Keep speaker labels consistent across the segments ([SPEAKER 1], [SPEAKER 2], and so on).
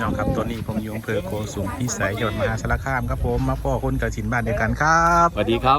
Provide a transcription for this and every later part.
[SPEAKER 1] น้องครับตัวนี้ผมอยู่อำเภอโกสุมพิสัยจังหวัดมหาสารคามครับผมมาพ่อคนกระสินบ้านเดียวกันครับ
[SPEAKER 2] สวัสดีครับ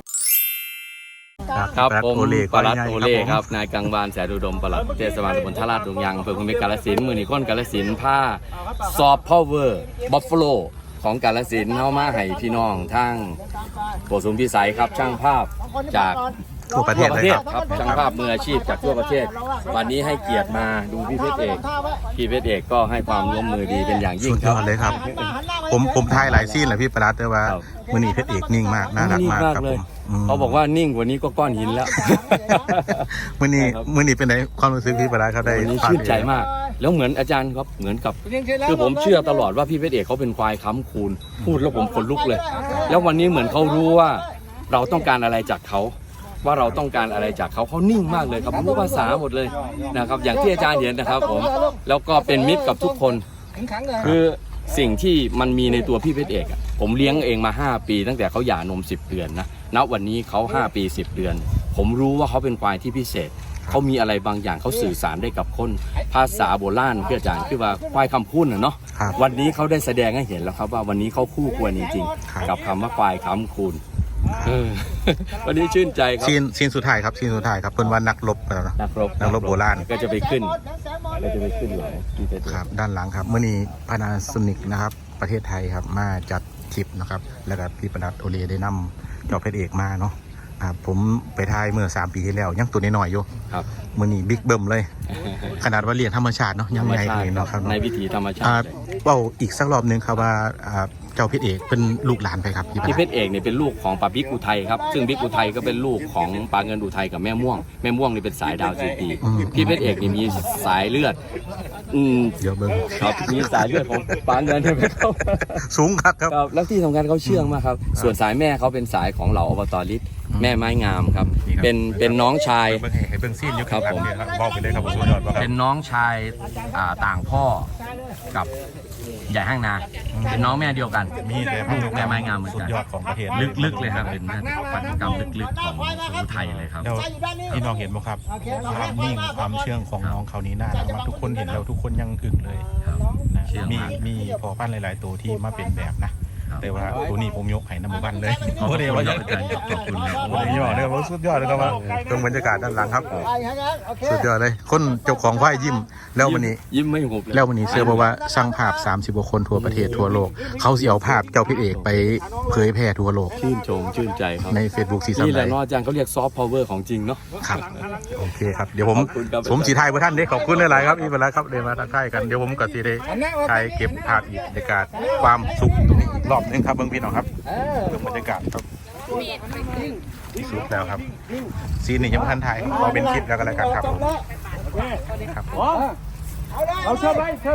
[SPEAKER 2] ครับผมปลัดโอเล่ครับนายกังวานแสนอุดมปลัดเทศบาลตำบลท่าลาดดงยางอำเภอคุมิกาฬสินธุ์มือนีค้นกาฬสินธุ์ผ้าซอฟต์พาวเวอร์บัฟฟาโลของกาฬสินธุ์เข้ามาให้พี่น้องทั้งโกสุมพิสัยครับช่างภาพจาก
[SPEAKER 1] ทั่วประเทศเลย
[SPEAKER 2] ครับช่างภาพมืออาชีพจากทั่วประเทศวันนี้ให้เกียรติมาดูพี่เพชรเอกก็ให้ความร่วมมือดีเป็นอย่างยิ่ง
[SPEAKER 1] สุดยอดเลยครับผมทายหลายซีนแหละพี่ปลัดแต่ว่ามือนี้เพชรเอกนิ่งมากน่ารักมากครับผม
[SPEAKER 2] เขาบอกว่านิ่งกว่านี้ก็ก้อนหินแล้ว
[SPEAKER 1] มือนี้เป็นไงความรู้สึกพี่ปลัดเขาได้
[SPEAKER 2] วันนี้ชื่นใจมากแล้วเหมือนอาจารย์ครับเหมือนกับคือผมเชื่อตลอดว่าพี่เพชรเอกเขาเป็นควายค้ำคูณพูดแล้วผมขนลุกเลยแล้ววันนี้เหมือนเขารู้ว่าเราต้องการอะไรจากเขาว่าเราต้องการอะไรจากเขานิ่งมากเลยครับรู้ภาษาหมดเลยนะครับอย่างที่อาจารย์เห็นนะครับผมแล้วก็เป็นมิตรกับทุกคนคือสิ่งที่มันมีในตัวพี่เพชรเอกผมเลี้ยงเองมา5ปีตั้งแต่เขาหย่านม10 เดือนนะณวันนี้เขา5 ปี10 เดือนผมรู้ว่าเขาเป็นควายที่พิเศษเขามีอะไรบางอย่างเขาสื่อสารได้กับคนภาษาโบราณพี่อาจารย์คือว่าควายคำพูดเนาะวันนี้เขาได้แสดงให้เห็นแล้วครับว่าวันนี้เขาคู่ควรจริงๆกับคำว่าควายค้ำคูณวันนี้ชื่นใจครับ
[SPEAKER 1] ซีนสุดท้ายครับเป็นวันนักรบนักรบโบราณ
[SPEAKER 2] ก็จะไปขึ้นหลัง
[SPEAKER 1] ครับด้านหลังครับเมื่อนี้พานาโซนิกนะครับประเทศไทยครับมาจัดทริปนะครับแล้วก็พี่ปลัดโอเล่ได้นำเจ้าเพชรเอกมาเนาะผมไปถ่ายเมื่อ3 ปีที่แล้วยังตัวน้อยๆอยู่
[SPEAKER 2] ครับ
[SPEAKER 1] มื่อนี้บิ๊กเบิ้มเลยขนาดว่าเรียนธรรมชาติเนาะยังไงเลยเนาะครับ
[SPEAKER 2] ในวิถีธรรมชาติ
[SPEAKER 1] ว่าอีกสักรอบนึงครับว่าเจ้าเพชรเอกเป็นลูกหลานไปครับ
[SPEAKER 2] พี่เพชรเอกเนี่ยเป็นลูกของปาบิ๊กอุทัยครับซึ่งบิ๊กอุทัยก็เป็นลูกของปาเงินอุทัยกับแม่ม่วงนี่เป็นสายดาวจีตีพี่เพชรเอกนี่มีสายเลือด
[SPEAKER 1] เยอะเบิ้ง
[SPEAKER 2] ครับมีสายเลือดของปาเงินใช่ไหมครับ
[SPEAKER 1] สูงครับ
[SPEAKER 2] แล้วที่สำคัญเขาเชื่องมากครับส่วนสายแม่เขาเป็นสายของเหล่าอบต.ฤทธิ์แม่ไม้งามครับเป็นน้องชาย
[SPEAKER 1] ให้เบิ้งซีนอยู่
[SPEAKER 2] ครับผม
[SPEAKER 1] บอกไปเลยครับสุดยอด
[SPEAKER 2] เป็นน้องชายต่างพ่อกับใหญ่ห้างนาเป็นน้องแม่เดียวกัน
[SPEAKER 1] มีแต่
[SPEAKER 2] แม่ไม้งามเหมือนกัน
[SPEAKER 1] สุดยอดของประเทศ
[SPEAKER 2] ลึกๆเลยครับเป็นพันธุกรรมลึกๆของอุทัยเลยครับ
[SPEAKER 1] พี่น้องเห็นไหมครับความนิ่งความเชื่องของน้องเขานี้น่ารักมากทุกคนเห็นแล้วทุกคนยังอึ้งเลยมีพอปั้นหลายๆตัวที่มาเป็นแบบนะแต่ว่าตัวนี้ผมยกให้น้ำมันเลย
[SPEAKER 2] ขอบคุณอาจารย์ขอบคุณเลย
[SPEAKER 1] ยอดเลยครับสุดยอดเลยครับว่าตรงบรรยากาศด้านหลังครับสุดยอดเลยคนเจ้าของควายยิ้มแล้ววันนี้
[SPEAKER 2] ยิ้มไม่หุบ
[SPEAKER 1] แล้ววันนี้เชื่อบอกว่าสร้างภาพ30 กว่าคนทั่วประเทศทั่วโลกเขาเสียภาพเจ้าเพชรเอกไปเผยแพร่ทั่วโลก
[SPEAKER 2] ชื่นใจครับ
[SPEAKER 1] ใน Facebook ซีซั่น
[SPEAKER 2] นี่แหละเนาะอาจารย์เขาเรียกซอฟต์พาวเวอร์ของจริงเนาะ
[SPEAKER 1] ครับโอเคครับเดี๋ยวผมสีไทยเพื่อท่านได้ขอบคุณหลายๆครับอีกเวลาครับเดี๋ยวมาทักทายกันเดี๋ยวผมกับสีได้ถ่ายเก็บภาพอีกบรรยากาศความสุขตรงนี้อีกรอบนึงครับเบื้องพี่น้องครับเบื้องบรรยากาศครับที่สุดแล้วครับซีนนี้ยังไม่ทันถ่ายขอเป็นคลิปแล้วกันแล้วกันครับครับ
[SPEAKER 3] เอาเชิญไปครับ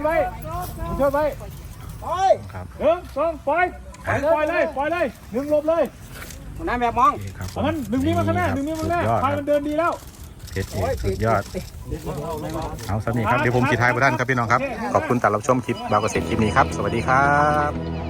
[SPEAKER 3] 1 2ปล่อยเลย1หลบเลยน้ำแบบมองมัน1นี้มาข้างหน้า1นี้มาข้างหน้าพายมันเดินดีแล้ว
[SPEAKER 1] เพชรเอกสุดยอดเอาสำนีครับเดี๋ยวผมสีไทยเพื่อท่านครับพี่น้องครับขอบคุณตามรับชมคลิปบาวเกษตรคลิปนี้ครับสวัสดีครับ